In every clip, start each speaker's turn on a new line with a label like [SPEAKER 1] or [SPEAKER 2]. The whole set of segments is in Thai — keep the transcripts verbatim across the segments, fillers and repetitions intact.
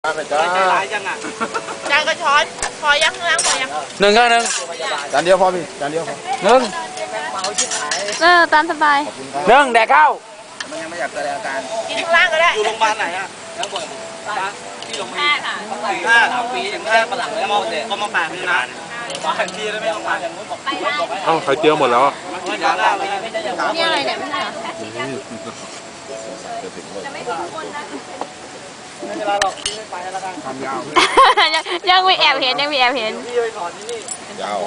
[SPEAKER 1] จ้าหลายจังอ่ะจานก็ช้อนพอยังข้างล่างพอยัง
[SPEAKER 2] หนึ่งก็หนึ่ง
[SPEAKER 3] จานเดียวพอพี่จานเดียวพอ
[SPEAKER 2] หนึ่ง
[SPEAKER 4] เออตามสบาย
[SPEAKER 2] หนึ่งแดกข้าว
[SPEAKER 3] มันยังไม่อยากแสดงอาการ
[SPEAKER 1] กินข้างล่างก็ได้
[SPEAKER 5] อยู่โรงพยาบาลไหนอ่ะแล้วบ่อยที่โรงพยาบาลค่ะห้าสามปีอย่างแค่ฝรั่งเลยมองก็มาแปะนี่นะมาทันทีแล้วไม่ต้องมาอย่างนู้นบอก
[SPEAKER 6] เอ้าไข่เจียวหมดแล้วอ่ะ
[SPEAKER 4] นี่อะไรเนี่ยไม่ใช่เหรอ
[SPEAKER 5] ไม่เป็นไรหรอกพี่ไม่ไปแล้วกัน
[SPEAKER 3] ทำยาว
[SPEAKER 4] ยังยังมีแอบเห็นยังมีแอบเห็น
[SPEAKER 5] พี่ไปสอนที่นี่
[SPEAKER 3] ยาว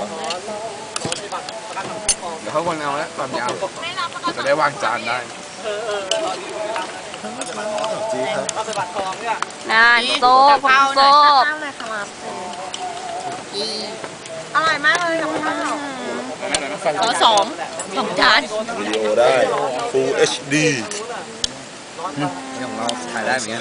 [SPEAKER 3] เดี๋ยวเขาคนเอาแล้วความยาวจะได้วางจานได้
[SPEAKER 5] เออเออจีครับเอาไปบัตรทองเนี่ย
[SPEAKER 4] น่าโซ่พงโซ่
[SPEAKER 1] ข้าวเลยค่ะมาอร่อยมากเลยกับข้าวขอสองสองจาน
[SPEAKER 6] วิดีโอได้ Full เอช ดี
[SPEAKER 3] อย่างเราถ่ายได้เหมือนกัน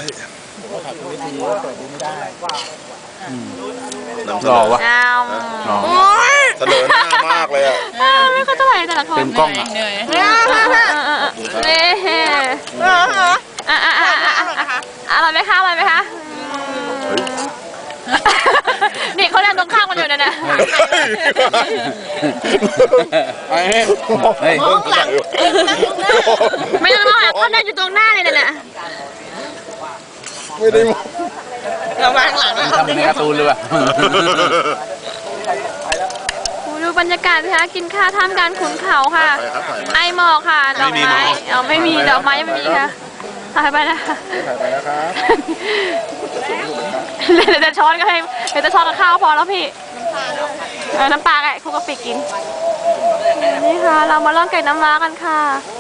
[SPEAKER 6] หล่อวะเสนอหน้ามากเลยอ่ะ
[SPEAKER 4] ไม่เข้าใจแต่ละคน
[SPEAKER 2] เต็มกล้องอ่ะ
[SPEAKER 4] เนี่ยอ่ะอ่ะอ่ะอ่ะอร่อยไหมคะอร่อยไหมคะนี่เขาเล่นตรงข้ามกันอยู่นะนะ
[SPEAKER 2] เฮ้ย
[SPEAKER 4] ไม่ต้องมองเขาเล่นอยู่ตรงหน้าเลยนะ
[SPEAKER 3] ไม่ได้มอง
[SPEAKER 1] เราวางหลังแล้ว
[SPEAKER 2] ทำในการ์ตูนเลยว่ะ
[SPEAKER 4] ดูบรรยากาศนะคะกินข้าวท่ามกลางขุนเขาค่ะไอหมอกค่ะดอกไม้อ๋อไม่มีดอกไม้ยังไม่มีค่ะถ่ายไปนะคะ
[SPEAKER 3] ถ่ายไปแล้วครับ
[SPEAKER 4] เดี๋ยวจะช้อนก็ให้เดี๋ยวจะช้อนกับข้าวพอแล้วพี่เออน้ำปลาไก่คุกกะปิกินนี่ค่ะเรามาล่องไก่น้ำว้ากันค่ะ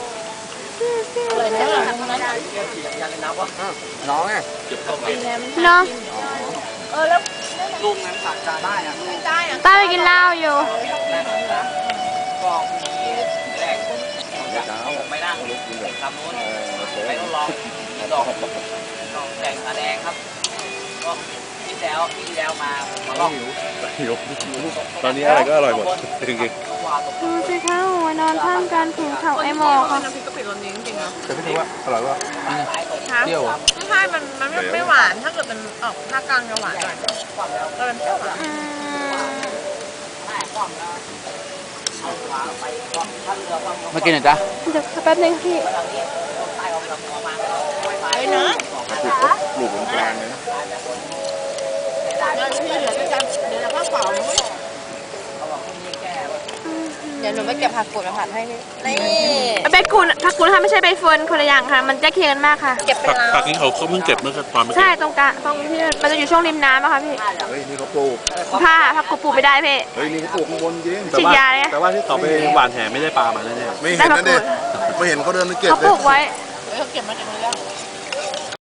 [SPEAKER 3] น้องอ่ะ
[SPEAKER 4] น้อง
[SPEAKER 1] เออแล้ว
[SPEAKER 5] ลุงนั้นสั่งจานได้อ่ะ
[SPEAKER 1] ไม่ได้อ่ะ
[SPEAKER 4] ต้าไปกินเหล้าอยู่
[SPEAKER 5] ก็มีแรกผมไม่นั่งทำนู้นไม่ต้องรอดอกดอกแดงตาแดงครับก็ที่แล้วที่แล้วมามาลอง
[SPEAKER 6] หิวตอนนี้อะไรก็อร่อยหมดจริง
[SPEAKER 4] ๆดูสิคะหัวนอนท่ามกลางขุนเขาไอหมอกค่ะ
[SPEAKER 1] น้ำพริกกะปิรสนี้จริงๆนะ
[SPEAKER 3] แต่พี่ดูว่าอร่อยว่า
[SPEAKER 1] เปรี้ยวไม่ใช่มันมันไม่หวานถ้าเกิดเป็นออกภาคกลางจะหวานหน่อยก็เป็นเปรี้ยวหวาน
[SPEAKER 2] มากินหน่อยจ้ะ
[SPEAKER 4] เดี๋ยวแป๊บนึงพี่
[SPEAKER 1] ไอ้เนาะ
[SPEAKER 3] หลูกกลางเลยนะ
[SPEAKER 1] เดี๋ยวพี่เหลือจะเดี๋ยวจะข้าวเปล่าเดี๋ยวหนูไปเก็บผักกูดมาผัดให้นี่
[SPEAKER 4] ใบกูดผักกูดค่ะไม่ใช่ใบเฟิร์นคนละอย่างค่ะมันจะเคียงกันมากค่ะ
[SPEAKER 1] เก็บเป็นล้า
[SPEAKER 6] ผักนี้เขาเขาเพิ่งเก็บเมื่อความ
[SPEAKER 4] ใช่ตรงกลางตรงที่มันจะอยู่ช่วงริมน้ำอะค่ะพี่
[SPEAKER 3] เฮ้ยนี่เขาปลูก
[SPEAKER 4] ผ้าผักกูดปลูกไม่ได้พี่
[SPEAKER 3] เฮ้ยนี่เขาปลูกข้างบนจริง
[SPEAKER 4] ฉีดยาเลย
[SPEAKER 6] แต่ว่าที่เขาไปหวานแหไม่ได้ปลามาแน่
[SPEAKER 3] ๆไม่เห็นนะเด็กไม่เห็นเขาเดินไปเก็บ
[SPEAKER 4] เขาปลูกไว้
[SPEAKER 1] เขาเก็บมาจากเรือ